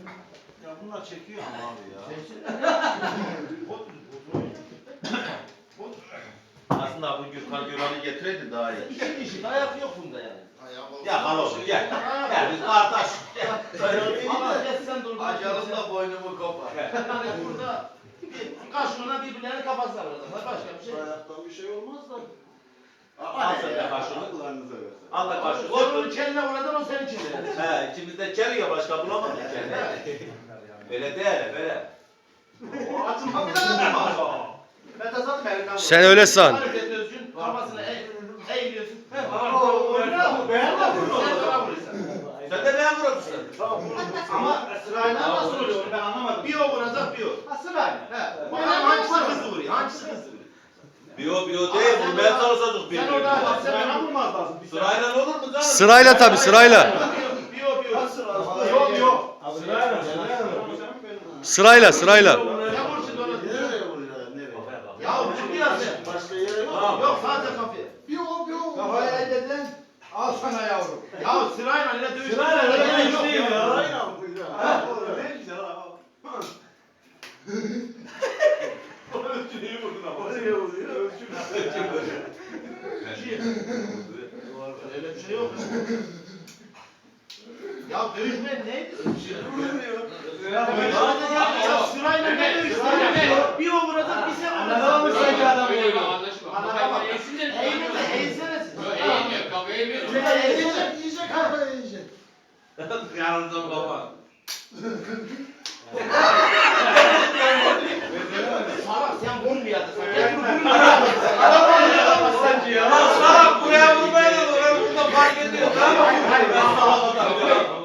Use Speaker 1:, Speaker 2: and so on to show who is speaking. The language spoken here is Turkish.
Speaker 1: Ya bunlar çekiyor ama abi ya.
Speaker 2: Aslında bu Gürkan Gürkan'ı getireydi daha iyi.
Speaker 3: İki kişi dayak yok bunda yani.
Speaker 2: Ya halo gel. Gel biz kardeş.
Speaker 3: Ama gel sen dur.
Speaker 2: Acalımda boynumu kopar.
Speaker 3: Yani burada kaşığına birbirlerinin kafasına vuracaklar. Başka bir şey yok.
Speaker 1: Ayaktan bir şey olmaz da.
Speaker 2: Al sen de kaşığını.
Speaker 1: Akıllarınıza versin.
Speaker 2: Al da kaşığı.
Speaker 3: Sen onun çeline vuracaksın, o senin çeline.
Speaker 2: He ikimiz de çeliyor başka bulamadık kendini. Böyle değil böyle.
Speaker 1: Açma bir daha. Mete zaten elinden
Speaker 4: Sen öyle san.
Speaker 3: Hareket ediyorsun, kafasına eğiliyorsun.
Speaker 2: Sen de ben vuruyorsun.
Speaker 3: Ama sırayla nasıl oluyor ben anlamadım. Bir o vuracak bir o. Ha sırayla. He. Bana hangisi hızlı vuruyor? Hangisi hızlı vuruyor?
Speaker 2: Biyo değil vurmaya çalışacağız
Speaker 3: Sen
Speaker 2: birbirini.
Speaker 3: orada sen bana vurmaz lazım.
Speaker 2: Sırayla olur mu canım?
Speaker 4: Sırayla tabii sırayla.
Speaker 3: Yok.
Speaker 4: Sırayla sırayla.
Speaker 3: Sen vur şimdi onu.
Speaker 1: Nereye vuruyor? Nereye?
Speaker 3: Ya vur biraz sen.
Speaker 1: Başka yere yok.
Speaker 3: Yok sadece kafaya.
Speaker 1: Bir o.
Speaker 5: Kafaya eldin. Al sana yavrum.
Speaker 3: Ya sırayla öyle dövüş.
Speaker 5: Sırayla öyle dövüş değil ya.
Speaker 1: Sırayla mı? Ha, doğru. Ne güzel ha.
Speaker 2: Ölçüyü vurdun ama.
Speaker 1: Nereye vuruyor?
Speaker 3: Öyle bir şey yok. Ya dövüşme neydi? Ya sırayla ne dövüş? Bir o vuracak bir sen vuracak.
Speaker 5: Anladın mı sanki adam gibi?
Speaker 3: Eğilsene siz.
Speaker 1: Yiyecek kafayı yiyecek.
Speaker 2: Yanımda baba.
Speaker 3: Salak sen vurmayacaksın.
Speaker 2: Ya salak buraya vurmayla oraya burada fark ediyor.
Speaker 3: Hayır, ben salak adamım.